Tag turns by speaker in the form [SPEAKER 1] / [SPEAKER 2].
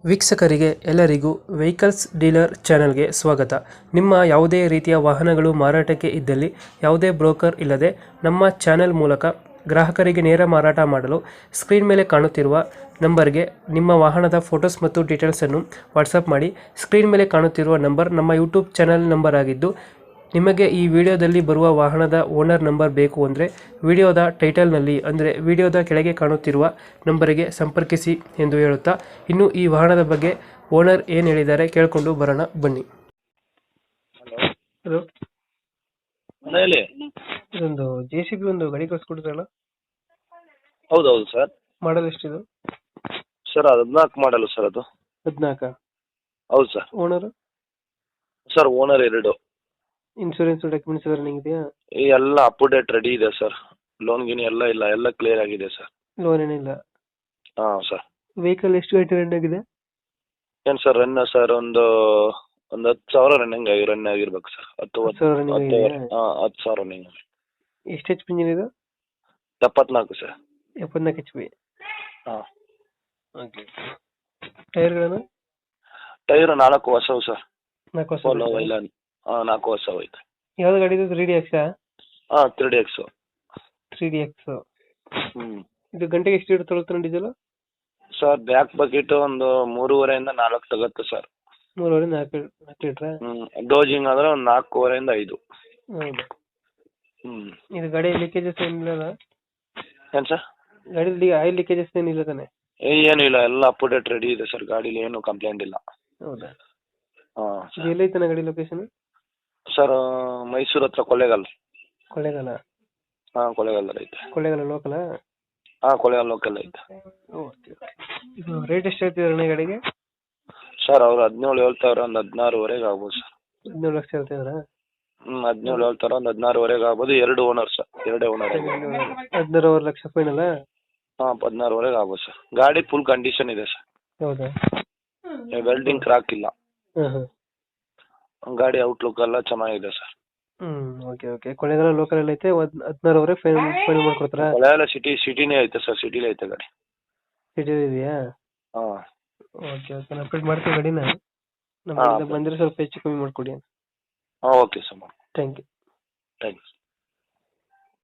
[SPEAKER 1] ವೀಕ್ಷಕರಿಗೆ ಎಲ್ಲರಿಗೂ vehicles dealer ಚಾನೆಲ್ಗೆ ಸ್ವಾಗತ. ನಿಮ್ಮ ಯಾವುದೇ ರೀತಿಯ ವಾಹನಗಳು ಮಾರಾಟಕ್ಕೆ ಇದ್ದಲ್ಲಿ ಯಾವುದೇ ಬ್ರೋಕರ್ ಇಲ್ಲದೆ ನಮ್ಮ ಚಾನೆಲ್ ಮೂಲಕ ಗ್ರಾಹಕರಿಗೆ ನೇರ ಮಾರಾಟ ಮಾಡಲು ಸ್ಕ್ರೀನ್ ಮೇಲೆ ಕಾಣುತ್ತಿರುವ ನಂಬರ್ಗೆ ನಿಮ್ಮ ವಾಹನದ ಫೋಟೋಸ್ ಮತ್ತು ಡೀಟೇಲ್ಸನ್ನು ವಾಟ್ಸಪ್ ಮಾಡಿ. ಸ್ಕ್ರೀನ್ ಮೇಲೆ ಕಾಣುತ್ತಿರುವ ನಂಬರ್ ನಮ್ಮ ಯೂಟ್ಯೂಬ್ ಚಾನೆಲ್ ನಂಬರ್ ಆಗಿದ್ದು, ನಿಮಗೆ ಈ ವಿಡಿಯೋದಲ್ಲಿ ಬರುವ ವಾಹನದ ಓನರ್ ನಂಬರ್ ಬೇಕು ಅಂದರೆ ವಿಡಿಯೋದ ಟೈಟಲ್ನಲ್ಲಿ ಅಂದರೆ ವಿಡಿಯೋದ ಕೆಳಗೆ ಕಾಣುತ್ತಿರುವ ನಂಬರಿಗೆ ಸಂಪರ್ಕಿಸಿ ಎಂದು ಹೇಳುತ್ತಾ, ಇನ್ನು ಈ ವಾಹನದ ಬಗ್ಗೆ ಓನರ್ ಏನು ಹೇಳಿದ್ದಾರೆ ಕೇಳಿಕೊಂಡು ಬರೋಣ ಬನ್ನಿ.
[SPEAKER 2] ಹಲೋ.
[SPEAKER 1] ಹಲೋ,
[SPEAKER 2] ಹೇಳಿ.
[SPEAKER 1] ಇದೊಂದು JCB ಒಂದು ಗಾಡಿ ಕಳಿಸ್ಕೊಡ್ತಾರಲ್ಲ,
[SPEAKER 2] ಹೌದೌದು ಸರ್.
[SPEAKER 1] ಮಾಡಲ್ ಎಷ್ಟಿದು?
[SPEAKER 2] ಸರ್ ಅದು 14 ಮಾಡಲು ಸರ್. ಅದು
[SPEAKER 1] 14.
[SPEAKER 2] ಹೌದು sir.
[SPEAKER 1] Owner?
[SPEAKER 2] Sir owner 2.
[SPEAKER 1] Insurance documents ಎಲ್ಲ ರನ್ನಿಂಗ್ ಇದೆಯಾ?
[SPEAKER 2] ಎಲ್ಲ ಅಪ್ ಟು ಡೇಟ್ ರೆಡಿ ಇದೆ ಸರ್. ಲೋನ್ ಗಿನ್ ಎಲ್ಲ ಇಲ್ಲ, ಎಲ್ಲ ಕ್ಲಿಯರ್ ಆಗಿದೆ ಸರ್.
[SPEAKER 1] ಲೋನ್ ಏನಿಲ್ಲ.
[SPEAKER 2] ಹಾಂ ಸರ್.
[SPEAKER 1] ವೆಹಿಕಲ್ ಎಷ್ಟು ಗಂಟೆ ರನ್ ಆಗಿದೆ?
[SPEAKER 2] ಏನು ಸರ್ ರನ್ ಸರ್ ಒಂದು 10,000 ರನ್ ಆಗಿರ್ಬೇಕು ಸರ್.
[SPEAKER 1] 10,000 running ಆಗಿದೆಯಾ?
[SPEAKER 2] 10,000 ರನ್ನಿಂಗ್.
[SPEAKER 1] ಎಷ್ಟು HP ಇಂಜಿನ್ ಇದು?
[SPEAKER 2] 74 ಸರ್.
[SPEAKER 1] 74 HP.
[SPEAKER 2] ಹಾಂ.
[SPEAKER 1] ಓಕೆ. ಟೈರ್ಗಳನ್ನು?
[SPEAKER 2] ಟೈರ್ 4 ಹೊಸವು ಸರ್.
[SPEAKER 1] 4 ವರ್ಷ.
[SPEAKER 2] ಪೋಲೋ ವೈಲಾನ್. 4 ಹೊಸವು ಐತೆ.
[SPEAKER 1] ಯಾವ್ದು ಗಾಡಿ ಇದು? 3DX?
[SPEAKER 2] ಹಾಂ 3DX.
[SPEAKER 1] 3DX.
[SPEAKER 2] ಹ್ಞೂ.
[SPEAKER 1] ಇದು ಗಂಟೆಗೆ ಎಷ್ಟು ಲೀಟರ್ ತೊಗೊಳ್ತಾನೆ ಡೀಸೆಲ್?
[SPEAKER 2] ಸರ್ ಬ್ಯಾಕ್ ಬಕೆಟ್ ಒಂದು 3.5 ಇಂದ 4 ತಗುತ್ತೆ ಸರ್.
[SPEAKER 1] 3.5 4 ಲೀಟ್ರಾ?
[SPEAKER 2] ಡೋಜಿಂಗ್ ಆದರೆ ಒಂದು 4.5 ಇಂದ 5.
[SPEAKER 1] ಹೌದು.
[SPEAKER 2] ಹ್ಞೂ.
[SPEAKER 1] ಇದು ಗಾಡಿ ಲೀಕೇಜಸ್ ಏನಿಲ್ಲ?
[SPEAKER 2] ಏನು ಸರ್?
[SPEAKER 1] ಗಾಡಿ ಆಯಿಲ್ ಲೀಕೇಜಸ್ ಏನಿಲ್ಲ ತಾನೆ?
[SPEAKER 2] ಏನು ಇಲ್ಲ, ಎಲ್ಲ ಅಪ್ ಟು ಡೇಟ್ ರೆಡಿ ಇದೆ ಸರ್. ಗಾಡೀಲಿ ಏನು ಕಂಪ್ಲೇಂಟ್ ಇಲ್ಲ.
[SPEAKER 1] ಹೌದಾ?
[SPEAKER 2] ಹಾಂ.
[SPEAKER 1] ಇದು ಎಲ್ಲೈತಾನೆ ಗಾಡಿ ಲೊಕೇಶನ್?
[SPEAKER 2] ಸರ್ ಮೈಸೂರು ಹತ್ರ ಕೊಳ್ಳೇಗಾಲ.
[SPEAKER 1] ಕೊಳ್ಳೇಗಾಲ?
[SPEAKER 2] ಹಾಂ ಕೊಳ್ಳೇಗಾಲದಲ್ಲಿ ಐತೆ.
[SPEAKER 1] ಕೊಳ್ಳೇಗಾಲ ಲೋಕಲಾ?
[SPEAKER 2] ಹಾಂ ಕೊಳ್ಳೇಗಾಲ ಲೋಕಲ್ ಐತೆ.
[SPEAKER 1] ಓಕೆ. ಇದು ರೇಟ್ ಎಷ್ಟು ಹೇಳ್ತಿದ್ದಾರೆ ಗಾಡಿಗೆ?
[SPEAKER 2] ಸರ್ ಅವರು 17 ಹೇಳ್ತಾವ್ರೆ, ಒಂದು 16ವರೆಗೆ ಆಗ್ಬೋದು ಸರ್.
[SPEAKER 1] 17 ಲಕ್ಷ ಹೇಳ್ತಿದ್ದಾರಾ?
[SPEAKER 2] 17 ಹೇಳ್ತಾರೆ, ಒಂದು 16ವರೆಗೆ ಆಗ್ಬೋದು. 2 owner sir, 2 owner.
[SPEAKER 1] 16 lakh final?
[SPEAKER 2] ಹಾಂ 16ವರೆಗೆ ಆಗ್ಬೋದು ಸರ್. ಗಾಡಿ ಫುಲ್ ಕಂಡೀಷನ್ ಇದೆ ಸರ್.
[SPEAKER 1] ಹೌದಾ?
[SPEAKER 2] ವೆಲ್ಡಿಂಗ್ ಕ್ರಾಕ್ ಇಲ್ಲ.
[SPEAKER 1] ಹಾಂ ಹಾಂ.
[SPEAKER 2] ಗಾಡಿ ಔಟ್ಲುಕ್ ಎಲ್ಲ ಚೆನ್ನಾಗಿದೆ sir.
[SPEAKER 1] Okay okay. Kollegal local ಎಲ್ಲ ಐತೆ. 16ವರೆಗೆ ಫೈನಲ್ ಮಾಡ್ಕೊಡ್ತಾರಾ?
[SPEAKER 2] ಕೊಳ್ಳೇಗಾಲ ಸಿಟಿನೇ ಐತೆ ಸರ್. ಸಿಟಿಲೇ ಐತೆ ಗಾಡಿ.
[SPEAKER 1] ಸಿಟಿ ಇದೆಯಾ?
[SPEAKER 2] ಹಾಂ.
[SPEAKER 1] Okay okay. ನಾನು ಅಪ್ಡೇಟ್ ಮಾಡ್ತೀವಿ ಗಾಡಿನ. ನಮ್ಮ ಬಂದರೆ ಸ್ವಲ್ಪ ಹೆಚ್ಚು ಕಮ್ಮಿ ಮಾಡಿಕೊಡಿ.
[SPEAKER 2] ಹಾಂ okay sir.
[SPEAKER 1] Thank you.
[SPEAKER 2] Thanks.